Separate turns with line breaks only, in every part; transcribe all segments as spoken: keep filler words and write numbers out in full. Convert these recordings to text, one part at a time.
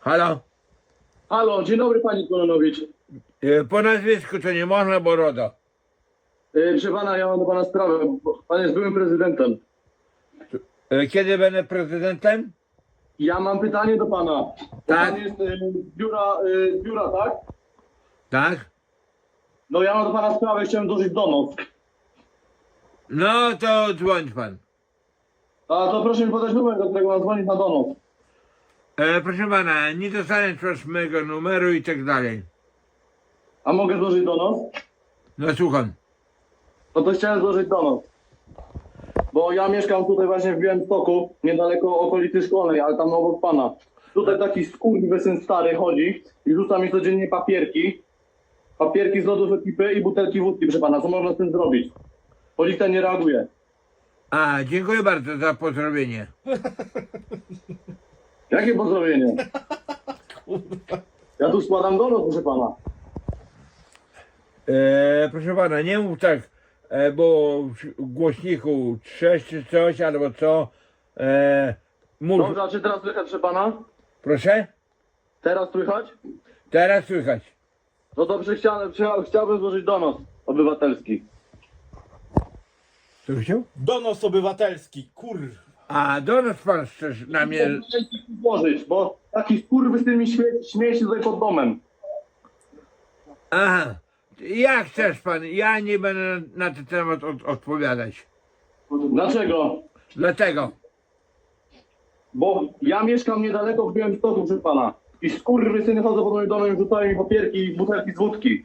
Halo?
Halo, dzień dobry panie Kononowicz.
E, Po nazwisku to nie można, bo RODO.
Yy, proszę pana, ja mam do pana sprawę. bo Pan jest byłym prezydentem.
E, Kiedy będę prezydentem?
Ja mam pytanie do pana. Bo
Tak.
Pan jest yy, z biura, yy, z biura, tak?
Tak?
No ja mam do pana sprawę, chciałem złożyć donos.
No to dzwoń pan.
A to proszę mi podać numer, do którego mam dzwonić na donos.
E, proszę pana, nie dostaniesz proszę mojego numeru i tak dalej.
A mogę złożyć donos?
No słucham.
No to chciałem złożyć donos. Bo ja mieszkam tutaj właśnie w Białymstoku, niedaleko okolicy szkolnej, ale tam obok pana. Tutaj taki skurwysyn stary chodzi i rzuca mi codziennie papierki. Papierki z lodów ekipy i butelki wódki, proszę pana. Co można z tym zrobić? Policja nie reaguje.
A, dziękuję bardzo za pozdrowienie.
Jakie pozdrowienie? Ja tu składam donos, proszę pana.
E, proszę pana, nie mów tak, e, bo w głośniku trzesz czy coś, albo co. E, mów.
Dobrze, a czy teraz słychać, proszę pana?
Proszę?
Teraz słychać?
Teraz słychać.
No dobrze, chciałem, chciałbym złożyć donos obywatelski.
Co chciał?
Donos obywatelski, kur...
A, donos pan chcesz na mnie.
Złożyć, bo taki skurwysyn mi śmie śmieje się tutaj pod domem.
Aha. Jak chcesz pan? Ja nie będę na, na ten temat od, odpowiadać.
Dlaczego?
Dlatego.
Bo ja mieszkam niedaleko w Białymstoku, proszę pana. I skurwysyny chodzą pod moim domem i rzucają mi papierki i butelki z wódki.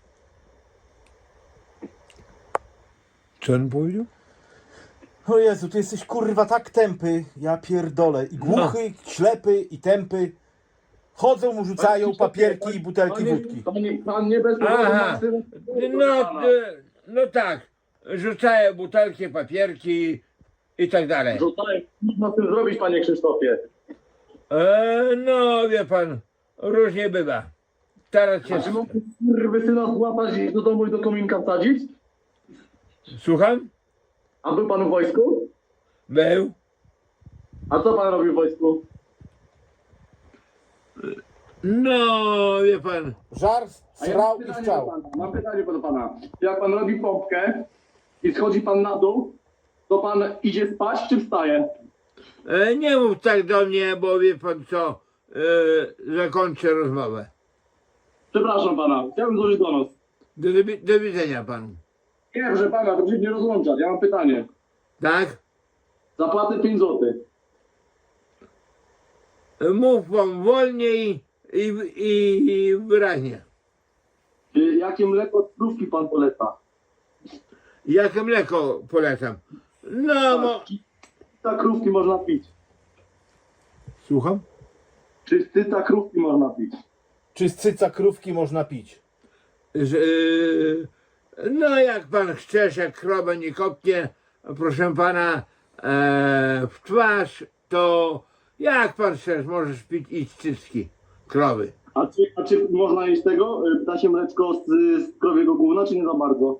Co on powiedział?
O Jezu, ty jesteś kurwa tak tępy, ja pierdolę. I głuchy, ślepy i tępy. Chodzą mu, rzucają papierki i butelki
Panie-
wódki.
Panie, pan nie bez powodu
Aha.
ma syn-
No, e, no tak. Rzucają butelki, papierki i tak dalej.
Rzucają. Można z tym zrobić, panie Krzysztofie.
E, no wie pan, różnie bywa. Teraz się.
A czy mógł skurwysyna złapać i do domu i do kominka wsadzić?
Słucham?
A był pan w wojsku?
Był.
A co pan robił w wojsku?
No wie pan.
Żar,
A ja
srał
mam
i
pytanie
chciał.
do pana. Mam pytanie do pana. Jak pan robi pompkę i schodzi pan na dół, to pan idzie spać czy wstaje?
E, nie mów tak do mnie, bo wie pan co. E, zakończę rozmowę.
Przepraszam pana, chciałbym złożyć donos.
Do, do, do widzenia panu.
Nie, proszę pana, to się nie rozłączać. Ja mam pytanie.
Tak?
Zapłacę pięć złotych.
E, Mów pan wolniej i, i, i wyraźnie.
Y, Jakie mleko z krówki pan poleca?
Jakie mleko polecam? No, mo...
Ta krówki można pić.
Słucham?
Czy cyca krówki można pić?
Czy z cyca krówki można pić?
Z, y, no jak pan chcesz, jak krowa nie kopnie, proszę pana, e, w twarz, to jak pan chcesz, możesz pić i z cycki krowy.
A czy, a czy można jeść tego, y, ptasie mleczko z, z krowiego gówna, czy nie za bardzo?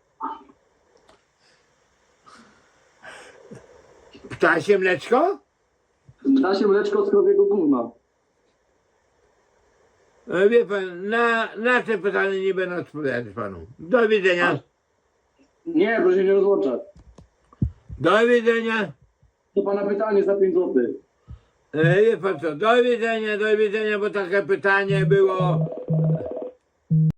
Ptasie mleczko?
Ptasie mleczko z krowiego gówna.
E, Wie pan, na, na te pytanie nie będę odpowiadać panu. Do widzenia.
Nie, proszę się nie rozłączać.
Do widzenia.
To pana pytanie za pięć złotych.
E, Wie pan co, do widzenia, do widzenia, bo takie pytanie było.